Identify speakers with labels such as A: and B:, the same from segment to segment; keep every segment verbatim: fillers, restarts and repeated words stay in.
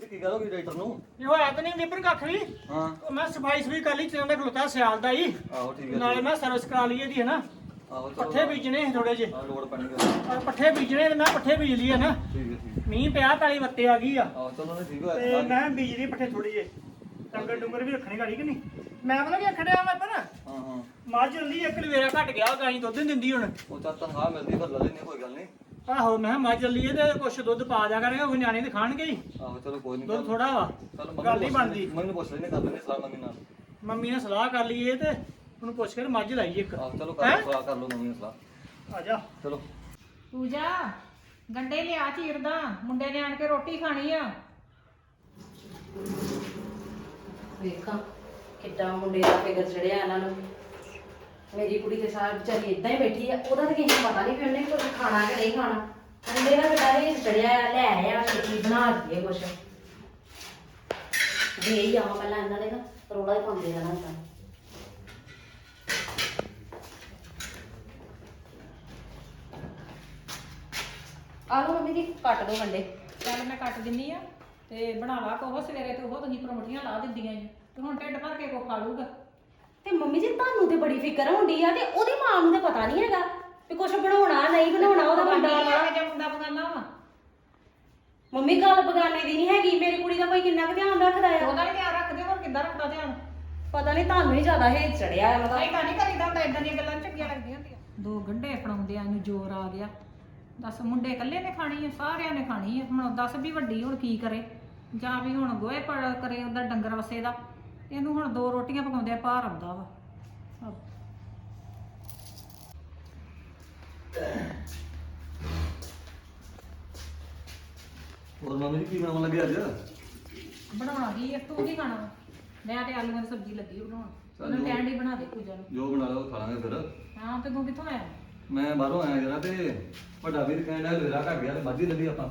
A: ਕੀ ਗੱਲ ਹੋ ਗਈ ਡਾਕਟਰ ਨੂੰ?
B: ਇਹ ਹੋਇਆ ਤਾਂ ਨਹੀਂ ਨਿਪਰ ਕੱਖ ਵੀ।
A: ਹਾਂ
B: ਉਹ ਮੈਂ ਸਫਾਈ ਸਫਾਈ ਕਰ ਲਈ ਚੰਗਾ ਖਲੋਤਾ ਸਿਆਲ ਦਾ ਹੀ।
A: ਆਹੋ ਠੀਕ ਹੈ।
B: ਨਾਲੇ ਮੈਂ ਸਰਵਿਸ ਕਰਾ ਲਈ ਇਹਦੀ ਹੈ ਨਾ।
A: ਆਹੋ ਚਲੋ
B: ਪੱਠੇ ਬੀਜਣੇ ਥੋੜੇ ਜਿਹੇ।
A: ਹਾਂ ਲੋੜ ਪੈਣੀ ਗੱਲ।
B: ਔਰ ਪੱਠੇ ਬੀਜਣੇ ਤੇ ਮੈਂ ਪੱਠੇ ਬੀਜ ਲਈ ਹੈ ਨਾ।
A: ਠੀਕ ਹੈ ਠੀਕ ਹੈ।
B: ਮੀਂਹ ਪਿਆ ਪੈਲੀ ਵੱਤੇ ਆ ਗਈ ਆ।
A: ਆਹੋ ਚਲੋ ਨੇ ਠੀਕ
B: ਤੇ
A: ਹੋਇਆ।
B: ਮੈਂ ਬੀਜ ਲਈ ਪੱਠੇ ਥੋੜੀ ਜਿਹੇ। ਡੰਗਰ ਡੁੰਗਰ ਵੀ ਰੱਖਣੇ ਗਾੜੀ ਕਿ ਨਹੀਂ। ਮੈਂ ਪਤਾ ਕੀ ਖੜਿਆ ਮੈਂ ਪਰ
A: ਹਾਂ ਹਾਂ
B: ਮੱਝ ਲੱਲੀ ਇੱਕ ਲਵੇਰਾ ਘਟ ਗਿਆ ਗਾਈ ਦੁੱਧ ਨਹੀਂ ਦਿੰਦੀ ਹੁਣ।
A: ਉਹ ਤਾਂ ਤਨਖਾਹ ਮਿਲਦੀ ਫਿਰ ਲੈ ਲੈਣੇ ਕੋਈ ਗੱਲ ਨਹੀਂ।
B: ਆਹੋ ਮੈਂ ਕਿਹਾ ਮੱਝ ਲੱਲੀ ਤੇ ਕੁਛ ਦੁੱਧ ਪਾ ਦਿਆ ਕਰਾਂਗੇ ਉਹ ਨਿਆਣੇ ਤੇ ਖਾਣਗੇ ਹੀ।
A: ਆਹੋ ਚਲੋ ਕੋਈ ਨਹੀਂ।
B: ਦੁੱਧ ਥੋੜਾ ਵਾ
A: ਚਲ
B: ਗੱਲ ਨਹੀਂ ਬਣਦੀ।
A: ਮੰਮੀ ਨੂੰ ਪੁੱਛ ਲੈਣੇ ਕਰ ਲੈਣੇ ਸਲਾਹ ਮੰਮੀ ਨਾਲ।
B: ਮੰਮੀ ਨੇ ਸਲਾਹ ਕਰ ਲਈ ਇਹ ਤੇ ਉਹਨੂੰ ਪੁੱਛ ਕੇ ਮੱਝ ਲਾਈਏ ਇੱਕ।
A: ਆਹੋ ਚਲੋ ਕਰ ਸਲਾਹ ਕਰ ਲਓ ਮੰਮੀ ਨਾਲ ਸਲਾਹ।
B: ਆ ਜਾ
A: ਚਲੋ
C: ਪੂਜਾ ਗੰਡੇ ਲਿਆ ਚੀਰਦਾ ਮੁੰਡੇ ਨੇ ਆਣ ਕੇ ਰੋਟੀ ਖਾਣੀ ਆ।
D: ਵੇਖਾਂ ਕਿੱਦਾਂ ਮੁੰਡੇ ਦਾ ਫਿਕਰ ਚੜਿਆ ਇਹਨਾਂ ਨੂੰ। ਮੇਰੀ ਕੁੜੀ ਤੇ ਸਾਰ ਵਿਚਾਰੀ ਇਦਾਂ ਹੀ ਬੈਠੀ ਆ, ਉਹਦਾ ਤਾਂ ਕਿਸੇ ਨੂੰ ਪਤਾ ਨਹੀਂ ਫਿਰ ਉਹਨੇ ਕੁਝ ਖਾਣਾ ਕਿ ਨਹੀਂ ਖਾਣਾ। ਮੁੰਡੇ ਦਾ ਕਿੱਦਾਂ ਹੀ ਚੜਿਆ ਆ, ਲੈ ਆਇਆ ਛੇਤੀ ਬਣਾ ਦਈਏ ਕੁਛ ਦੇ ਹੀ ਆਵਾਂ ਪਹਿਲਾਂ ਇਹਨਾਂ ਦੇ ਨਾ ਰੋਲਾ ਹੀ ਪਾਉਂਦੇ ਰਹਿਣਾ ਤਾਂ। ਆਲੂ ਮੰਮੀ ਦੀ ਕੱਟ ਦੋ ਗੰਡੇ।
C: ਚੱਲ ਮੈਂ ਕੱਟ ਦਿੰਨੀ ਆ ਤੇ ਬਣਾ ਲਾ ਕੋਹ ਸਵੇਰੇ ਤੇ ਉਹ ਤੁਸੀਂ ਪਰੌਂਠੀਆਂ ਲਾ ਦਿੰਦੀਆਂ ਜੀ ਤੇ ਹੁਣ ਢਿੱਡ ਭਰ ਕੇ ਕੋ ਖਾ ਲੂਗਾ।
D: ਤੇ ਮੰਮੀ ਜੀ ਤੁਹਾਨੂੰ ਤੇ ਬੜੀ ਫਿਕਰ ਹੁੰਦੀ ਆ ਤੇ ਉਹਦੀ ਮਾਂ ਨੂੰ ਤਾਂ ਪਤਾ ਨਹੀਂ ਹੈਗਾ ਵੀ ਕੁਛ ਬਣਾਉਣਾ ਨਹੀਂ ਬਣਾਉਣਾ ਉਹਦਾ ਮੁੰਡਾ ਵਾ।
C: ਜੇ ਮੁੰਡਾ ਬਗਾਨਾ ਵਾ
D: ਮੰਮੀ ਗੱਲ ਬਗਾਨੇ ਦੀ ਨਹੀਂ ਹੈਗੀ, ਮੇਰੀ ਕੁੜੀ ਦਾ ਕੋਈ ਕਿੰਨਾ ਕੁ ਧਿਆਨ ਰੱਖਦਾ ਆ।
C: ਉਹਦਾ ਵੀ ਧਿਆਨ ਰੱਖਦੇ ਹੋਰ ਕਿੱਦਾਂ ਰੱਖਦਾ ਧਿਆਨ।
D: ਪਤਾ ਨਹੀਂ ਤੁਹਾਨੂੰ ਹੀ ਜ਼ਿਆਦਾ ਹੇਜ ਚੜਿਆ ਆ ਉਹਦਾ।
C: ਨਹੀਂ ਤਾਂ ਨਹੀਂ ਕਰੀਦਾ ਹੁੰਦਾ ਇਦਾਂ ਦੀਆਂ ਗੱਲਾਂ ਚੰਗੀਆਂ ਲੱਗਦੀਆਂ ਹੁੰਦੀਆਂ। ਦੋ ਗੰਢੇ ਫੜਾਉਂਦਿਆਂ ਨੂੰ ਜ਼ੋਰ ਆ ਗਿਆ। ਦੱਸ ਮੁੰਡੇ ਇਕੱਲੇ ਨੇ ਖਾਣੀ ਆ ਸਾਰਿਆਂ ਨੇ ਖਾਣੀ ਆ। ਹੁਣ ਦੱਸ ਵੀ ਵੱਡੀ ਹੁਣ ਕੀ ਕਰੇ ਜਾਂ ਵੀ ਹੁਣ ਗੋਹੇ ਪੜ ਕਰੇ ਉਹਦਾ ਡੰਗਰ ਵਸੇ ਦਾ। ਇਹਨੂੰ ਹੁਣ ਦੋ ਰੋਟੀਆਂ ਪਕਾਉਂਦੇ ਆ ਭਾਰ ਆਉਂਦਾ ਵਾ।
A: ਹੋਰ ਮੰਮੀ ਜੀ ਕੀ ਬਣਾਉਣ ਲੱਗੇ ਅੱਜ?
C: ਬਣਾਉਣਾ ਕੀ ਆ ਤੂੰ ਕੀ ਖਾਣਾ ਵਾ? ਮੈਂ ਤੇ ਆਲੂਆਂ ਦੀ ਸਬਜ਼ੀ ਲੱਗੀ ਬਣਾਉਣ।
A: ਚੱਲ
C: ਉਹਨੂੰ
A: ਜੋ-
C: ਕਹਿਣ ਦੀ ਬਣਾ ਦੇ ਪੂਜਾ ਨੂੰ।
A: ਜੋ ਬਣਾ ਲਓ ਖਾ ਲਾਂਗੇ ਫਿਰ।
C: ਹਾਂ ਤੇ ਤੂੰ ਕਿੱਥੋਂ ਆਇਆ?
A: ਮੈਂ ਬਾਹਰੋਂ ਆਇਆ ਜਰਾ ਤੇ ਵੱਡਾ ਵੀਰ ਕਹਿੰਦਾ ਲੇਰਾ ਘਟ ਗਿਆ ਤੇ ਮੱਝ ਹੀ ਲੱਲੀ ਆਪਾਂ।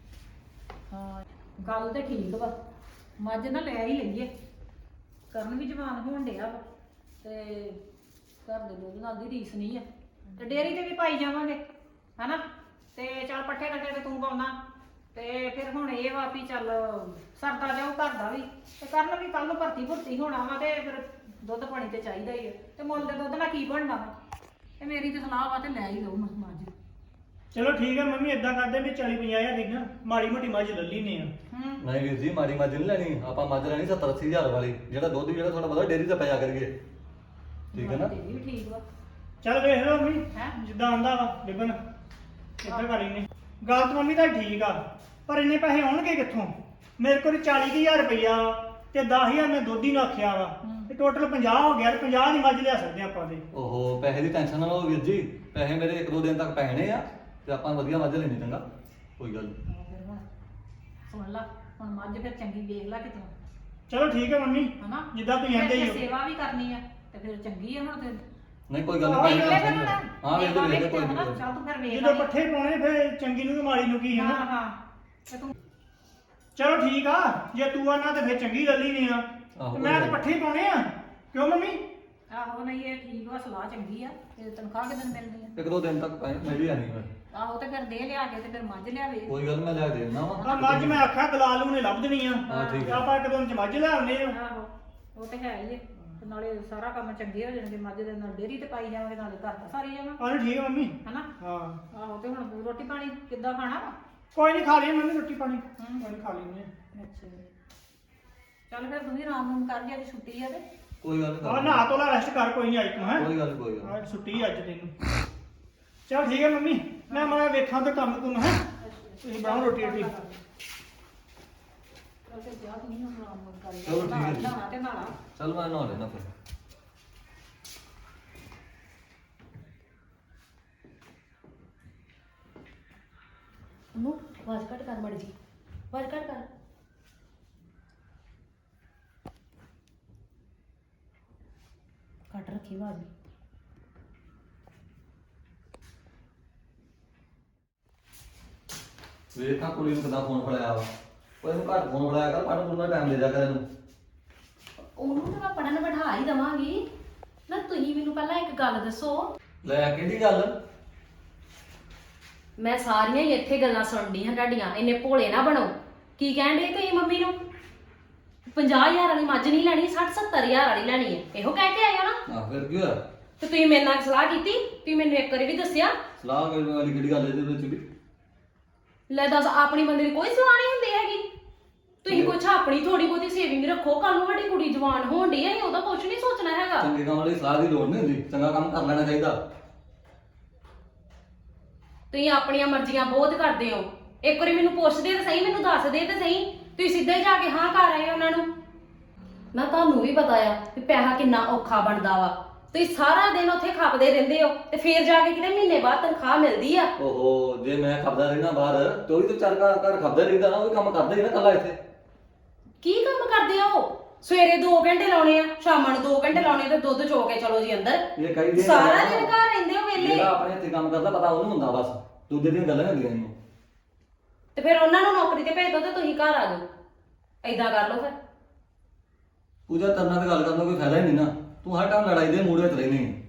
C: ਹਾਂ ਗੱਲ ਤੇ ਠੀਕ ਵਾ। ਮੱਝ ਨਾ ਲੈ ਹੀ ਲਈਏ। ਕਰਨ ਵੀ ਜਵਾਨ ਹੋਣ ਡਿਆ ਵਾ ਤੇ ਘਰ ਦੇ ਦੁੱਧ ਨਾਲ ਦੀ ਰੀਸ ਨਹੀਂ ਆ ਤੇ ਡੇਅਰੀ ਤੇ ਵੀ ਪਾਈ ਜਾਵਾਂਗੇ ਹਨਾ। ਤੇ ਚੱਲ ਪੱਠੇ ਕੱਟੇ ਤੇ ਤੂੰ ਪਾਉਣਾ ਤੇ ਫਿਰ ਹੁਣ ਇਹ ਵਾ ਵੀ ਚੱਲ ਸਰਦਾ ਜਾਊ ਘਰ ਦਾ ਵੀ ਤੇ ਕਰਨ ਵੀ ਕੱਲ ਨੂੰ ਭਰਤੀ ਭੁਰਤੀ ਹੋਣਾ ਵਾ ਤੇ ਫਿਰ ਦੁੱਧ ਪਾਣੀ ਤੇ ਚਾਹੀਦਾ ਹੀ ਆ ਤੇ ਮੁੱਲ ਦੇ ਦੁੱਧ ਨਾਲ ਕੀ ਬਣਨਾ ਵਾ। ਤੇ ਮੇਰੀ ਤੇ ਸਲਾਹ ਵਾ ਤੇ ਲੈ ਹੀ ਲਊ ਮੱਝ।
B: ਚਲੋ ਠੀਕ ਹੈ ਮੰਮੀ ਇਦਾਂ ਕਰਦੇ ਵੀ ਚਾਲੀ ਪੰਜਾਹ ਹਜ਼ਾਰ ਦੀ ਨਾ ਮਾੜੀ ਮੋਟੀ ਮੱਝ ਲੱਲੀ ਨੇ ਆ।
C: ਹੂੰ
A: ਨਹੀਂ ਵੀਰ ਜੀ ਮਾੜੀ ਮੱਝ ਨਹੀਂ ਲੈਣੀ ਆਪਾਂ ਮੱਝ ਲੈਣੀ ਸੱਤਰ ਅੱਸੀ ਹਜ਼ਾਰ ਵਾਲੀ ਜਿਹੜਾ ਦੁੱਧ ਜਿਹੜਾ ਤੁਹਾਡਾ ਪਤਾ ਡੇਅਰੀ ਤੇ ਪਿਆ ਕਰੀਏ। ਠੀਕ ਹੈ ਨਾ?
C: ਇਹ ਵੀ ਠੀਕ ਵਾ।
B: ਚੱਲ ਵੇਖ ਲਓ ਮੰਮੀ
C: ਹੈਂ?
B: ਜਿੱਦਾਂ ਆਂਦਾ ਵਾ ਬਿਬਨ ਕਿੱਦਾਂ ਕਰੀ ਨੇ ਗੱਲ ਤਾਂ ਮੰਮੀ ਤਾਂ ਠੀਕ ਆ ਪਰ ਇੰਨੇ ਪੈਸੇ ਆਉਣਗੇ ਕਿੱਥੋਂ? ਮੇਰੇ ਕੋਲ ਚਾਲੀ ਹਜ਼ਾਰ ਰੁਪਈਆ ਤੇ ਦਸ ਹਜ਼ਾਰ ਮੈਂ ਦੁੱਧ ਹੀ ਨੂੰ ਆਖਿਆ ਵਾ ਤੇ ਟੋਟਲ ਪੰਜਾਹ ਹੋ ਗਿਆ ਤੇ ਪੰਜਾਹ ਦੀ ਮੱਝ ਲਿਆ ਸਕਦੇ ਆਪਾਂ ਦੇ।
A: ਓਹੋ ਪੈਸੇ ਦੀ ਟੈਨਸ਼ਨ ਨਾ ਲਓ ਵੀਰ ਜੀ, ਪੈਸੇ ਮੇਰੇ ਇੱਕ ਦੋ ਦਿਨ ਤੱਕ ਪੈਣੇ ਆ ਤੇ ਆਪਾਂ ਵਧੀਆ ਮੱਝ ਲੈਣੀ ਚੰਗਾ ਕੋਈ ਗੱਲ ਨਹੀਂ।
C: ਹਾਂ ਫਿਰ ਹੁਣ ਸੁਣ ਲਾ ਹੁਣ ਮੱਝ ਫਿਰ ਚੰਗੀ ਵੇਖ ਲਾ ਕਿਤੋਂ
B: ਚਲੋ ਠੀਕ ਹੈ ਮੰਮੀ
C: ਹਨਾ
B: ਜਿੱਦਾਂ ਤੁਸੀਂ
C: ਫਿਰ
B: ਆਂਦੇ ਹੀ
C: ਜੇ
B: ਹੋ।
C: ਸੇਵਾ ਵੀ ਕਰਨੀ ਆ ਤੇ ਫਿਰ ਚੰਗੀ ਆ ਹੁਣ ਤੇ
A: ਨਹੀਂ ਕੋਈ ਗੱਲ
B: ਆਹੋ,
A: ਨਹੀਂ
B: ਵੇਖ
A: ਪੈਸੇ
B: ਲੈ
A: ਦੀ
C: ਫਿਰ
A: tension
C: ਹੁਣ।
A: ਹਾਂ ਵੇਖ ਲੈ ਵੇਖ ਲੈ ਕੋਈ
C: ਹਨਾ,
A: ਨਹੀਂ।
C: ਚੱਲ ਤੂੰ ਫਿਰ ਵੇਖ
B: ਜਦੋਂ
C: ਲੈ।
B: ਪੱਠੇ ਪਾਉਣੇ ਫਿਰ ਚੰਗੀ ਨੂੰ ਤੇ ਮਾੜੀ ਨੂੰ ਕੀ ਹੈ
C: ਹਾਂ
B: ਨਾ।
C: ਹਾਂ ਤੇ ਤੂੰ
B: ਚਲੋ ਠੀਕ ਆ ਜੇ ਤੂੰ ਆਣਾ ਤੇ ਫਿਰ ਚੰਗੀ ਲੱਲੀ ਨਹੀਂ ਆ
A: ਆਹੋ,
B: ਤੇ ਮੈਂ ਤਾਂ ਪੱਠੇ ਹੀ ਪਾਉਣੇ ਆ ਕਿਉਂ ਮੰਮੀ?
C: ਆਹੋ ਨਹੀਂ ਇਹ ਠੀਕ ਵਾ ਸਲਾਹ ਚੰਗੀ ਆ ਤੇ ਤਨਖਾਹ ਕਿਦਨ ਮਿਲਦੀ ਆ।
A: ਇੱਕ ਦੋ ਦਿਨ ਤੱਕ ਪੈਸੇ ਮਿਲ ਹੀ ਜਾਣੀ ਫਿਰ।
C: ਆਹੋ ਤੇ ਫਿਰ ਦੇ ਲਿਆ ਕੇ ਤੇ ਫਿਰ ਮੱਝ ਲਿਆਵੇ।
A: ਕੋਈ ਗੱਲ ਨੀ, ਮੈਂ ਲੈ ਕੇ ਦੇਣਾ ਵਾ।
B: ਆ ਮੱਝ ਮੈਂ ਆਖਿਆ ਦਲਾਲ ਨੂੰ ਨੇ ਲੱਭ ਦੇਣੀ ਆ
A: ਹਾਂ ਠੀਕ
B: ਤੇ
A: ਹੈ।
B: ਆਪਾਂ ਇੱਕ ਦਿਨ ਚ ਮੱਝ ਲੈ ਆਉਨੇ ਆ।
C: ਆਹੋ ਉਹ ਤੇ ਹੈ ਹੀ ਆ ਤੇ ਨਾਲੇ ਸਾਰਾ ਕੰਮ ਚੰਗੇ ਹੋ ਜਾਣਗੇ। ਮੱਝ ਦੇ ਨਾਲ ਡੇਅਰੀ ਤੇ ਪਾਈ ਜਾਵਾਂਗੇ ਨਾਲੇ ਘਰ ਦਾ ਸਾਰੀ ਜਾਵਾਂ
B: ਆਹ ਠੀਕ ਹੈ ਮੰਮੀ।
C: ਹਨਾ।
B: ਹਾਂ
C: ਆਹੋ ਤੇ ਹੁਣ ਰੋਟੀ ਪਾਣੀ ਕਿੱਦਾਂ ਖਾਣਾ ਵਾ?
B: ਕੋਈ ਨਹੀਂ ਖਾ ਲਈ ਮੰਮੀ ਰੋਟੀ ਪਾਣੀ
C: ਹੂੰ।
B: ਕੋਈ ਨੀ ਖਾ ਲੈਂਦੇ
C: ਅੱਛਾ ਚੱਲ ਫਿਰ ਤੂੰ ਵੀ ਆਰਾਮ ਨੂੰ ਕਰ ਜੀ ਅੱਜ ਛੁੱਟੀ ਆ ਤੇ
A: ਕੋਈ ਗੱਲ
B: ਆ। ਆ
A: ਨਹੀਂ
B: ਨਹਾ ਧੋ ਲੈ ਰੈਸਟ ਕਰ ਕੋਈ ਨਹੀਂ ਅੱਜ ਤੂੰ ਹੈ
A: ਕੋਈ ਗੱਲ ਨੀ, ਕੋਈ ਗੱਲ ਨੀ।
B: ਅੱਜ ਛੁੱਟੀ ਅੱਜ ਤੈਨੂੰ। ਚਲ ਠੀਕ ਹੈ ਮੰਮੀ ਮੈਂ ਮੈਂ ਵੇਖਾਂ ਤੇ ਕੰਮ ਤੂੰ ਹੈ ਤੁਸੀਂ ਬਣਾਓ ਰੋਟੀ ਰੋਟੀ।
C: ਚੱਲ ਫਿਰ ਜਾ ਤੂੰ ਵੀ ਹੁਣ ਆਰਾਮ ਨੂੰ ਕਰ
A: ਚਲੋ ਠੀਕ ਹੈ ਜੀ।
C: ਨਹਾਉਣਾ ਤੇ ਨਹਾਣਾ।
A: ਚੱਲ ਮੈਂ ਨਹਾ ਲੈਣਾ ਫਿਰ।
D: ਨੂੰ ਆਵਾਜ਼ ਘੱਟ ਕਰ ਮੜ ਜੀ, ਆਵਾਜ਼ ਘੱਟ ਕਰ। ਘੱਟ ਰੱਖੀ ਆਵਾਜ਼।
A: ਵੇਖਾਂ ਕੁੜੀ ਨੂੰ ਕਿੱਦਾਂ ਫੋਨ ਫੜਾਇਆ ਵਾ। ਕੋਈ ਨੂੰ ਘੱਟ ਫੋਨ ਫੜਾਇਆ ਕਰ ਪੜ੍ਹਨ ਪੂਰਨ ਟਾਈਮ ਦੇ ਜਾ ਕਰ ਇਹਨੂੰ।
D: ਉਹਨੂੰ ਤਾਂ ਮੈਂ ਪੜਨ ਬਿਠਾ ਹੀ ਦਵਾਂਗੀ ਨਾ। ਤੁਸੀਂ ਮੈਨੂੰ ਪਹਿਲਾਂ ਇੱਕ ਗੱਲ ਦੱਸੋ।
A: ਲੈ ਕਿਹੜੀ ਗੱਲ?
D: ਮੈਂ ਸਾਰੀਆਂ ਹੀ ਇੱਥੇ ਗੱਲਾਂ ਸੁਣਦੀ ਹਾਂ ਤੁਹਾਡੀਆਂ। ਇੰਨੇ ਭੋਲੇ ਨਾ ਬਣੋ ਕੀ ਕਹਿਣ ਦੇ ਤੁਸੀਂ ਮੰਮੀ ਨੂੰ ਪੰਜਾਹ ਹਜ਼ਾਰ ਵਾਲੀ ਮੱਝ ਨਹੀਂ ਲੈਣੀ ਸੱਠ ਸੱਤਰ ਹਜ਼ਾਰ ਵਾਲੀ ਲੈਣੀ ਹੈ ਇਹੋ ਕਹਿ ਕੇ ਆਏ ਹੋ ਨਾ।
A: ਆ ਫਿਰ ਕੀ ਹੋਇਆ?
D: ਤੇ ਤੁਸੀਂ ਮੇਰੇ ਨਾਲ ਸਲਾਹ ਕੀਤੀ ਤੁਸੀਂ ਮੈਨੂੰ ਇੱਕ ਵਾਰੀ ਵੀ ਦੱਸਿਆ।
A: ਸਲਾਹ ਕਰਨ ਵਾਲੀ ਕਿਹੜੀ ਗੱਲ ਇਹਦੇ ਵਿੱਚ ਵੀ?
D: ਲੈ ਦੱਸ ਆਪਣੀ ਬੰਦੇ ਦੀ ਕੋਈ ਸਲਾਹ ਨਹੀਂ ਹੁੰਦੀ ਹੈਗੀ। ਤੁਸੀਂ ਕੁਛ ਆਪਣੀ ਥੋੜੀ ਬਹੁਤੀ ਸੇਵਿੰਗ ਰੱਖੋ ਕੱਲ ਨੂੰ ਸਾਡੀ ਕੁੜੀ ਜਵਾਨ ਹੋਣ ਡਈ ਹੈ ਅਸੀਂ ਉਹਦਾ ਕੁਛ ਨਹੀਂ ਸੋਚਣਾ ਹੈਗਾ।
A: ਚੰਗੇ ਕੰਮ ਵਾਲੀ ਸਲਾਹ ਦੀ ਲੋੜ ਨਹੀਂ ਹੁੰਦੀ, ਚੰਗਾ ਕੰਮ ਕਰ ਲੈਣਾ ਚਾਹੀਦਾ।
D: ਤੁਸੀਂ ਆਪਣੀਆਂ ਮਰਜ਼ੀਆਂ ਬਹੁਤ ਕਰਦੇ ਹੋ। ਇੱਕ ਵਾਰੀ ਮੈਨੂੰ ਪੁੱਛਦੇ ਤੇ ਸਹੀ ਮੈਨੂੰ ਦੱਸਦੇ ਤੇ ਸਹੀ ਤੁਸੀਂ ਸਿੱਧਾ ਹੀ ਜਾ ਕੇ ਹਾਂ ਕਰ ਆਏ ਉਹਨਾਂ ਨੂੰ। ਨਾ ਤੁਹਾਨੂੰ ਵੀ ਪਤਾ ਆ ਕਿ ਪੈਸਾ ਕਿੰਨਾ ਔਖਾ ਬਣਦਾ ਵਾ। ਤੁਸੀਂ ਸਾਰਾ ਦਿਨ ਉੱਥੇ ਖਪਦੇ ਰਹਿੰਦੇ ਹੋ ਤੇ ਫੇਰ ਜਾ ਕੇ ਕਿਤੇ ਮਹੀਨੇ ਬਾਅਦ ਤਨਖਾਹ ਮਿਲਦੀ ਆ।
A: ਓਹੋ ਜੇ ਮੈਂ ਖਪਦਾ ਰਹਿਣਾ ਬਾਹਰ ਤੇ ਉਹ ਵੀ ਤਾਂ ਚਾਰ ਘਰ ਘਰ ਖਪਦਾ ਰਹਿੰਦਾ ਨਾ, ਉਹ ਵੀ ਕੰਮ ਕਰਦਾ ਹੀ ਨਾ ਕੱਲਾ ਇੱਥੇ।
D: ਕੀ ਕੰਮ ਕਰਦੇ ਆ ਉਹ? ਸਵੇਰੇ ਦੋ ਘੰਟੇ ਲਾਉਣੇ ਆ ਸ਼ਾਮਾਂ ਨੂੰ ਦੋ ਘੰਟੇ ਲਾਉਣੇ ਤੇ ਦੁੱਧ ਚੋ ਕੇ ਚਲੋ ਜੀ ਅੰਦਰ।
A: ਇਹ ਕਈ ਦਿਨ
D: ਸਾਰਾ ਦਿਨ ਘਰ ਰਹਿੰਦੇ ਹੋ ਵਿਹਲੇ।
A: ਜਿਹੜਾ ਆਪਣੇ ਹੱਥੀਂ ਕੰਮ ਕਰਦਾ ਪਤਾ ਉਹਨੂੰ ਹੁੰਦਾ ਬਸ, ਦੂਜੇ ਦੀਆਂ ਗੱਲਾਂ ਹੁੰਦੀਆਂ ਇਹਨੂੰ।
D: ਤੇ ਫਿਰ ਉਹਨਾਂ ਨੂੰ ਨੌਕਰੀ ਤੇ ਭੇਜ ਦੋ ਤੇ ਤੁਸੀਂ ਘਰ ਆ ਜਾਓ। ਏਦਾਂ ਕਰ ਲਓ ਫਿਰ।
A: ਪੂਜਾ ਤਰਨਾ ਤੇ ਗੱਲ ਕਰਨ ਦਾ ਕੋਈ ਫਾਇਦਾ ਹੀ ਨਹੀਂ ਨਾ, ਤੂੰ ਹਰ ਟਾਈਮ ਲੜਾਈ ਦੇ ਮੂਡ ਵਿੱਚ ਰਹਿਨੀ ਹੈ।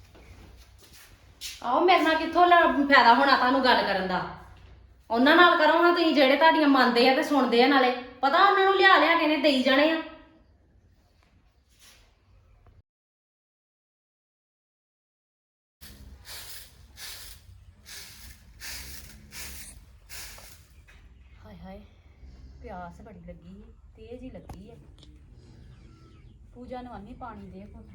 D: ਆਹੋ ਮੇਰੇ ਨਾਲ ਕਿੱਥੋਂ ਲ- ਫਾਇਦਾ ਹੋਣਾ ਤੁਹਾਨੂੰ ਗੱਲ ਕਰਨ ਦਾ। ਉਹਨਾਂ ਨਾਲ ਕਰੋ ਹਾਂ ਤੁਸੀਂ ਜਿਹੜੇ ਤੁਹਾਡੀਆਂ ਮੰਨਦੇ ਆ ਤੇ ਸੁਣਦੇ ਆ, ਨਾਲੇ ਪਤਾ ਉਹਨਾਂ ਨੂੰ ਲਿਆ ਲਿਆ ਕੇ ਨੇ ਦੇਈ ਜਾਣੇ ਆ। ਹਾਏ ਹਾਏ ਪਿਆਸ ਬੜੀ ਲੱਗੀ ਹੈ, ਤੇਜ਼ ਹੀ ਲੱਗੀ ਹੈ। ਪੂਜਾ ਨੂੰ ਆਨੀ ਪਾਣੀ ਦੇ ਕੋਲ।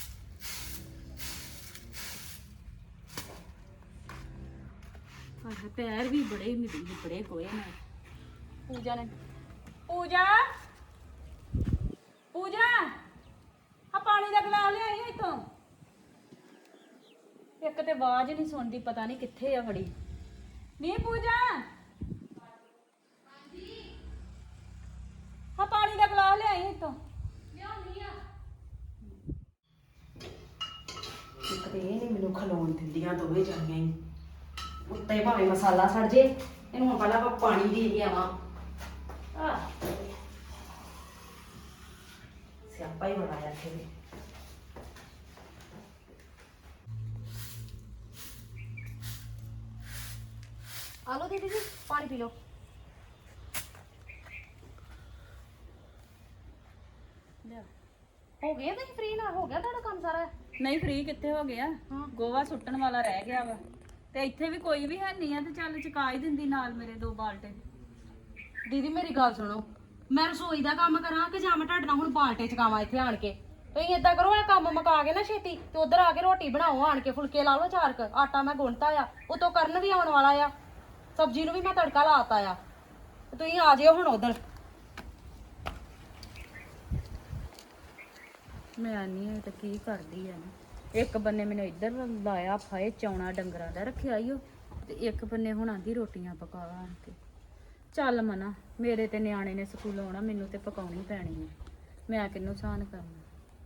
D: ਹਾਏ ਪੈਰ ਵੀ ਬੜੇ ਮਿੱਟੀ ਬੜੇ ਗੋਏ ਨੇ। ਪੂਜਾ ਨੇ ਪੂਜਾ ਪੂਜਾ ਆ ਪਾਣੀ ਦਾ ਗਲਾਸ ਲਿਆਈ ਇੱਥੋਂ। ਇੱਕ ਤੇ ਆਵਾਜ਼ ਨਹੀਂ ਸੁਣਦੀ, ਪਤਾ ਨਹੀਂ ਕਿੱਥੇ ਆ ਫੜੀ। ਨਹੀਂ ਪੂਜਾ ਆ ਪਾਣੀ ਦਾ ਗਲਾਸ ਲਿਆਈ ਇੱਥੋਂ। ਇੱਕ ਤੇ ਇਹ ਨਹੀਂ ਮੈਨੂੰ ਖਲੋਣ ਦਿੰਦੀਆਂ ਦੋਵੇਂ ਜਾਣੀਆਂ ਹੀ। ਉੱਤੇ ਭਾਵੇਂ ਮਸਾਲਾ ਸੜ ਜੇ, ਇਹਨੂੰ ਹੁਣ ਪਹਿਲਾਂ ਆਪਾਂ ਪਾਣੀ ਦੇ ਕੇ ਆਵਾਂ। ਆ ਸਿਆਪਾ ਹੀ ਬੜਾ ਆ ਇੱਥੇ ਵੀ। ਆ ਲਓ ਦੀਦੀ ਜੀ ਪਾਣੀ ਪੀ ਲਓ। ਹੋ ਗਿਆ ਤੁਸੀਂ ਫ੍ਰੀ ਨਾ ਹੋ ਗਿਆ ਤੁਹਾਡਾ ਕੰਮ ਸਾਰਾ?
E: ਨਹੀਂ ਫ੍ਰੀ ਕਿੱਥੇ ਹੋ ਗਿਆ, ਗੋਵਾ ਸੁੱਟਣ ਵਾਲਾ ਰਹਿ ਗਿਆ ਵਾ ਤੇ ਇੱਥੇ ਵੀ ਕੋਈ ਵੀ ਹੈ ਨਹੀਂ ਆ ਤੇ ਚੱਲ ਚੁਕਾ ਹੀ ਦਿੰਦੀ ਨਾਲ ਮੇਰੇ ਦੋ ਬਾਲਟੇ।
D: ਦੀਦੀ ਮੇਰੀ ਗੱਲ ਸੁਣੋ, ਮੈਂ ਰਸੋਈ ਦਾ ਕੰਮ ਕਰਾਂ ਕਿ ਜਾਂ ਮੈਂ ਤੁਹਾਡੇ ਨਾਲ ਹੁਣ ਬਾਲਟੇ ਚਕਾਵਾਂ ਇੱਥੇ ਆਣ ਕੇ? ਤੁਸੀਂ ਏਦਾਂ ਕਰੋ, ਇਹ ਕੰਮ ਮੁਕਾ ਕੇ ਨਾ ਛੇਤੀ ਤੇ ਉਧਰ ਆ ਕੇ ਰੋਟੀ ਬਣਾਓ ਆਣ ਕੇ, ਫੁਲਕੇ ਲਾ ਲਓ ਚਾਰ ਕ। ਆਟਾ ਮੈਂ ਗੁੰਨਤਾ ਆ, ਉਤੋਂ ਕਰਨ ਵੀ ਆਉਣ ਵਾਲਾ ਆ, ਸਬਜ਼ੀ ਨੂੰ ਵੀ ਮੈਂ ਤੜਕਾ ਲਾਤਾ ਆ। ਤੁਸੀਂ ਆ ਜਿਓ ਹੁਣ ਉਧਰ।
E: ਮੈਂ ਆਨੀ ਆ ਤਾਂ ਕੀ ਕਰਦੀ ਆ ਨਾ, ਇੱਕ ਬੰਨੇ ਮੈਨੂੰ ਇੱਧਰ ਲਾਇਆ ਫਾਏ ਚੌਣਾ ਡੰਗਰਾਂ ਦਾ ਰੱਖਿਆ ਈ ਓ, ਤੇ ਇੱਕ ਬੰਨੇ ਹੁਣ ਆਂਦੀ ਰੋਟੀਆਂ ਪਕਾ ਆਣ ਕੇ। ਚੱਲ ਮਨਾ, ਮੇਰੇ ਤੇ ਨਿਆਣੇ ਨੇ ਸਕੂਲੋਂ ਆਉਣਾ, ਮੈਨੂੰ ਤੇ ਪਕਾਉਣੀ ਪੈਣੀ ਹੈ, ਮੈਂ ਕਿਹਨੂੰ ਸਾਨ ਕਰਨਾ।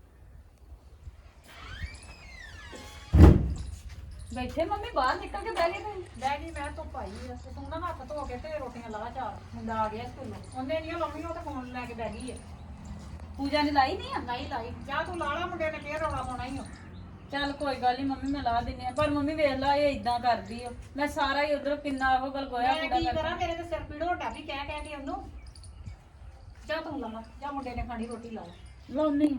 E: ਬੈਠੇ ਮੰਮੀ ਬਾਹਰ ਨਿਕਲ ਕੇ ਬਹਿ ਗਏ ਤੁਸੀਂ?
C: ਬਹਿ ਗਈ ਮੈਂ ਧੁੱਪ ਆਈ ਆ ਤੇ ਤੂੰ ਨਾ ਹੱਥ ਧੋ ਕੇ ਤੇ ਰੋਟੀਆਂ ਲਾ ਚਾਰ। ਮੁੰਡਾ ਆ ਗਿਆ ਸਕੂਲੋਂ, ਉਹਨੇ ਨਹੀਂ ਲਾਉਣੀ, ਉਹ ਤਾਂ ਫੋਨ ਲੈ ਕੇ ਬਹਿ ਗਈ ਆ।
E: ਪੂਜਾ ਨੇ ਲਾਈ ਨਹੀਂ ਆ?
C: ਨਹੀਂ ਲਾਈ, ਜਾ ਤੂੰ ਲਾ ਲਾ, ਮੁੰਡੇ ਨੇ ਫੇਰ ਰੌਲਾ ਪਾਉਣਾ ਹੀ ਆ।
E: ਚੱਲ ਕੋਈ ਗੱਲ ਨਹੀਂ ਮੰਮੀ, ਮੈਂ ਲਾ ਦਿੰਨੀ ਆ। ਪਰ ਮੰਮੀ ਵੇਖ ਲਾ ਇਹ ਇਦਾਂ ਕਰਦੀ ਓ, ਮੈਂ ਸਾਰਾ ਹੀ ਉਧਰ ਕਿੰਨਾ ਉਹ ਗਲ ਗੋਇਆ
C: ਮੈਂ
E: ਪੂਰਾ
C: ਕੀ
E: ਕਰਦਾ।
C: ਕਰਾਂ, ਮੇਰੇ ਤੇ ਸਿਰ ਪੀੜ ਹੋਟਾ ਵੀ ਕਹਿ ਕਹਿ ਕੇ ਉਹਨੂੰ। ਜਾ ਤੂੰ ਲਾ ਲਾ, ਜਾ ਮੁੰਡੇ ਨੇ ਖਾਣੀ ਰੋਟੀ ਲਾ ਲਾ।
E: ਲਾਉਣੀ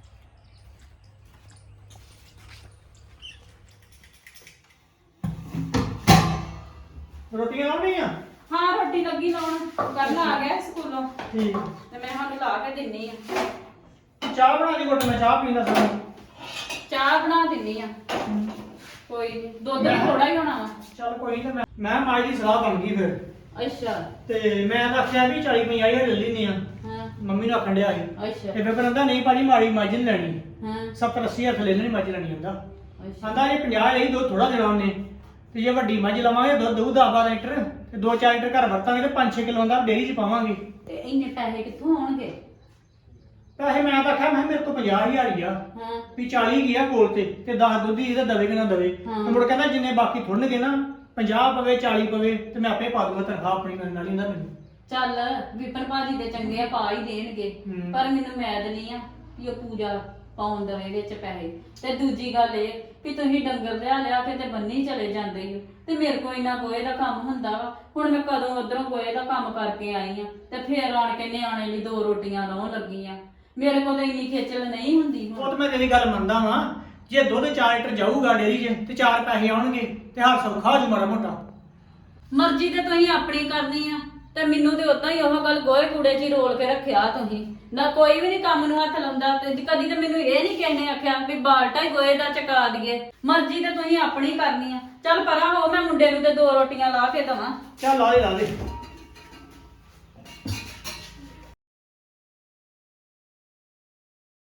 B: ਰੋਟੀਆਂ ਲਾਉਣੀਆਂ?
E: ਹਾਂ ਰੋਟੀ ਲੱਗੀ ਲਾਉਣ, ਕਰਨ ਆ ਗਿਆ ਸਕੂਲੋਂ
B: ਠੀਕ।
E: ਤੇ ਮੈਂ ਸਾਨੂੰ ਲਾ ਕੇ ਦਿੰਨੀ ਆ।
B: ਚਾਹ ਬਣਾ ਦੀ ਘੁੱਟ, ਮੈਂ ਚਾਹ ਪੀਂਦਾ ਸਾਂ।
E: ਚਾਹ ਬਣਾ ਦਿੰਨੀ ਆ, ਕੋਈ ਨੀ, ਦੁੱਧ ਵੀ ਥੋੜਾ ਹੀ ਹੋਣਾ ਵਾ।
B: ਚੱਲ ਕੋਈ ਨਹੀਂ, ਮੈਂ ਮੈਂ ਮਾਈ ਦੀ ਸਲਾਹ ਬਣ ਗਈ ਫਿਰ।
E: ਅੱਛਾ
B: ਤੇ ਮੈਂ ਤਾਂ ਆਖਿਆ ਵੀ ਚਾਲੀ ਪੰਜਾਹ ਹਜ਼ਾਰ ਲੈ ਲੈਨੇ ਆ,
E: ਹਾਂ
B: ਮੰਮੀ ਨੂੰ ਆਖਣ ਡਿਆ ਸੀ।
E: ਅੱਛਾ
B: ਤੇ ਫਿਰ ਕਹਿੰਦਾ ਨਹੀਂ ਭਾਜੀ ਮਾੜੀ ਮੱਝ ਨਹੀਂ ਲੈਣੀ,
E: ਹਾਂ
B: ਸੱਤਰ ਅੱਸੀ ਹਜ਼ਾਰ ਥੱਲੇ ਨਹੀਂ ਮੱਝ ਲੈਣੀ ਹੁੰਦਾ।
E: ਅੱਛਾ
B: ਆਂਦਾ ਜੇ ਪੰਜਾਹ ਲਈ ਦੁੱਧ ਥੋੜਾ ਦੇਣਾ ਉਹਨੇ, ਤੇ ਜੇ ਵੱਡੀ ਮੱਝ ਲਵਾਂਗੇ ਦੁੱਧ ਦਊ ਦਸ ਬਾਰਾਂ ਲੀਟਰ, ਤੇ ਦੋ ਚਾਰ ਲੀਟਰ ਘਰ ਵਰਤਾਂਗੇ ਤੇ ਪੰਜ ਛੇ ਕਿਲੋ ਦਾ ਡੇਅਰੀ 'ਚ ਪਾਵਾਂਗੇ।
E: ਤੇ ਇੰਨੇ ਪੈਸੇ ਕਿੱਥੋਂ ਆਉਣਗੇ?
B: ਪੈਸੇ ਮੈਂ ਤਾਂ ਆਖਿਆ ਮੈਂ ਕਿਹਾ ਮੇਰੇ ਕੋਲ ਪੰਜਾਹ ਹਜ਼ਾਰ ਹੀ ਆ,
E: ਹਾਂ
B: ਵੀ ਚਾਲੀ ਗਿਆ ਕੋਲ ਤੇ ਤੇ ਦਸ ਦੁੱਧ ਹੀ ਇਹਦਾ ਦਵੇ ਕਿ ਨਾ ਦਵੇ।
E: ਹਾਂ।
B: ਤੇ ਮੁੜ ਕਹਿੰਦਾ ਜਿੰਨੇ ਬਾਕੀ ਥੁੜਨਗੇ ਨਾ, ਪੰਜਾਹ ਪਵੇ ਚਾਲੀ ਪਵੇ ਤੇ ਮੈਂ ਆਪੇ ਪਾ ਦੂੰਗਾ ਤਨਖਾਹ ਆਪਣੀ ਕਰਨ ਨਾਲ ਹੀ ਹੁੰਦਾ ਮੈਨੂੰ।
E: ਚੱਲ ਵਿਪਨ ਭਾਜੀ ਦੇ ਚੰਗੇ ਆ, ਪਾ ਹੀ ਦੇਣਗੇ,
B: ਹੂੰ।
E: ਪਰ ਮੈਨੂੰ ਮੈਦ ਨਹੀਂ ਆ ਵੀ ਉਹ ਪੂਜਾ ਪਾਉਣ ਦਵੇ ਵਿੱਚ ਪੈਸੇ। ਤੇ ਦੂਜੀ ਗੱਲ ਇਹ ਵੀ ਤੁਸੀਂ ਡੰਗਰ ਲਿਆ ਲਿਆ ਕੇ ਤੇ ਬੰਨੀ ਚਲੇ ਜਾਂਦੇ ਹੋ ਤੇ ਮੇਰੇ ਕੋਲ ਇੰਨਾ ਗੋਹੇ ਦਾ ਕੰਮ ਹੁੰਦਾ ਵਾ। ਹੁਣ ਮੈਂ ਕਦੋਂ ਉਧਰੋਂ ਗੋਹੇ ਦਾ ਕੰਮ ਕਰਕੇ ਆਈ ਆ ਤੇ ਫੇਰ ਆਣ ਕੇ ਨਿਆਣੇ ਲਈ ਦੋ ਰੋਟੀਆਂ ਲਾਉਣ ਲੱਗੀ ਆ। ਮੇਰੇ ਕੋਲ ਤਾਂ ਇੰਨੀ ਖੇਚਲ ਨਹੀਂ ਹੁੰਦੀ
B: ਉਹ
E: ਹੁਣ।
B: ਤਾਂ ਮੈਂ ਤੇਰੀ ਗੱਲ ਮੰਨਦਾ ਵਾਂ, ਜੇ ਦੁੱਧ ਚਾਰ ਲੀਟਰ ਜਾਊਗਾ ਡੇਅਰੀ 'ਚ ਤੇ ਚਾਰ ਪੈਸੇ ਆਉਣਗੇ ਤੇ ਹੱਥ ਸੌਖਾ ਹੋ ਜੂ ਮਾੜਾ ਮੋਟਾ।
E: ਮਰਜ਼ੀ ਤੇ ਤੁਸੀਂ ਆਪਣੀ ਕਰਨੀ ਆ ਤੇ ਮੈਨੂੰ ਤੇ ਉਦਾਂ ਹੀ ਉਹ ਗੱਲ ਗੋਹੇ ਕੂੜੇ 'ਚ ਹੀ ਰੋਲ ਕੇ ਰੱਖਿਆ ਤੁਸੀਂ। ਨਾ ਕੋਈ ਵੀ ਨਹੀਂ ਕੰਮ ਨੂੰ ਹੱਥ ਲਾਉਂਦਾ ਤੇ ਕਦੀ ਤੇ ਮੈਨੂੰ ਇਹ ਨਹੀਂ ਕਹਿੰਦੇ ਆਖਿਆ ਵੀ ਬਾਲਟਾ ਹੀ ਗੋਹੇ ਦਾ ਚਕਾ ਦਈਏ। ਮਰਜ਼ੀ ਤੇ ਤੁਸੀਂ ਆਪਣੀ ਕਰਨੀ ਆ। ਚੱਲ ਪਰਾਂ ਹੋ, ਮੈਂ ਮੁੰਡੇ ਨੂੰ ਤੇ ਦੋ ਰੋਟੀਆਂ ਲਾ ਕੇ ਦਵਾਂ।
B: ਚੱਲ ਲਾ ਦੇ ਲਾ ਦੇ।